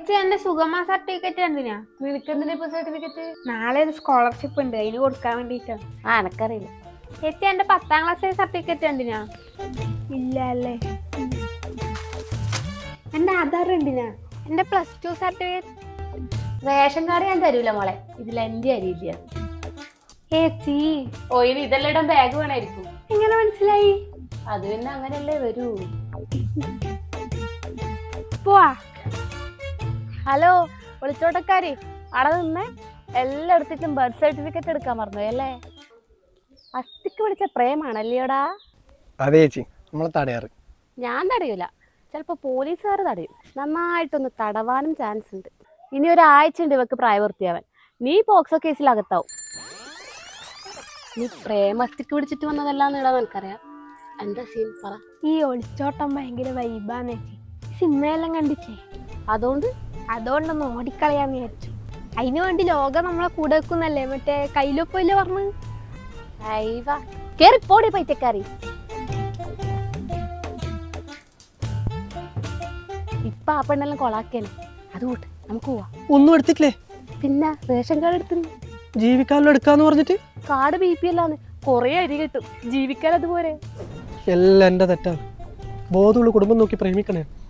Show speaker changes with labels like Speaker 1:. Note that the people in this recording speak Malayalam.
Speaker 1: ചേച്ചി എന്റെ സുഗമ സർട്ടിഫിക്കറ്റ് എന്തിനാ?
Speaker 2: നിനക്കെന്തിനാ ഇപ്പൊ സർട്ടിഫിക്കറ്റ്?
Speaker 1: നാളെ ഒരു സ്കോളർഷിപ്പ് ഉണ്ട്, അതിന് കൊടുക്കാൻ വേണ്ടിട്ടാണ്.
Speaker 2: എനക്കറിയില്ല.
Speaker 1: ചേച്ചി എന്റെ 10ാം ക്ലാസ് സർട്ടിഫിക്കറ്റ് എന്തിനാ? ഇല്ല അല്ലേ. എന്റെ ആധാർ എന്തിനാ? എന്റെ +2 സർട്ടിഫിക്കറ്റ്.
Speaker 2: റേഷൻ കാർഡ് ഞാൻ തരൂല മോളെ, ഇതിൽ എന്റെ അരിയില്ല.
Speaker 1: ചേച്ചി
Speaker 2: ഓയിന് ഇതെല്ലാം ഇടാൻ ബാഗ് വേണമായിരിക്കും.
Speaker 1: എങ്ങനെ മനസ്സിലായി?
Speaker 2: അത് പിന്നെ അങ്ങനെയല്ലേ വരൂ.
Speaker 1: പോവാ.
Speaker 2: ഹലോ ഒളിച്ചോട്ടക്കാരി, അവിടെ നിന്ന് എല്ലായിടത്തേക്കും ബർത്ത് സർട്ടിഫിക്കറ്റ് എടുക്കാൻ മറന്നു അല്ലേ? അസ്ഥിക്ക് വിളിച്ച പ്രേമാണല്ലേടാ?
Speaker 3: അതെ ചേച്ചി, നമ്മളെ തടയാറ്.
Speaker 2: ഞാൻ തടയൂല, ചിലപ്പോൾ പോലീസുകാർ തടയും. നന്നായിട്ടൊന്ന് തടവാനും ചാൻസ് ഉണ്ട്. ഇനി ഒരാഴ്ച ഉണ്ട് ഇവക്ക് പ്രായപൂർത്തിയാവാൻ. നീ പോക്സോ കേസിൽ അകത്താവും. നീ പ്രേമസ്ഥിക്ക് പിടിച്ചിട്ട് വന്നതല്ലാന്ന് ഇടാൻ എനിക്കറിയാം. എന്താ സീൻ പറ.
Speaker 1: ഈ ഒളിച്ചോട്ടം ഭയങ്കര വൈബാന്ന് ചേച്ചി. സിനിമയെല്ലാം കണ്ടിച്ചേ, അതുകൊണ്ടൊന്ന് ഓടിക്കളയാന്ന് വിചാരിച്ചു. അതിനു വേണ്ടി ലോകം നമ്മളെ കൂടെ വെക്കുന്നല്ലേ, മറ്റേ കയ്യിലൊപ്പല്ലേ പറഞ്ഞു.
Speaker 2: കേറിപ്പോടി പൈറ്റക്കാരി. ഇപ്പൊ ആ പെണ്ണെല്ലാം കൊളാക്കേനെ. അതുകൊണ്ട് നമുക്ക് പോവാ.
Speaker 3: ഒന്നും എടുത്തിട്ടില്ലേ?
Speaker 2: പിന്നെ റേഷൻ കാർഡ് എടുത്തു.
Speaker 3: ജീവിക്കാനും എടുക്കാന്ന് പറഞ്ഞിട്ട്
Speaker 2: കാർഡ് BP അല്ലാന്ന്. കൊറേ അരി കിട്ടും, ജീവിക്കാൻ അതുപോലെ.
Speaker 3: എല്ലാം എന്റെ തെറ്റാണ്. ബോധമുള്ള കുടുംബം നോക്കി പ്രേമിക്കണേ.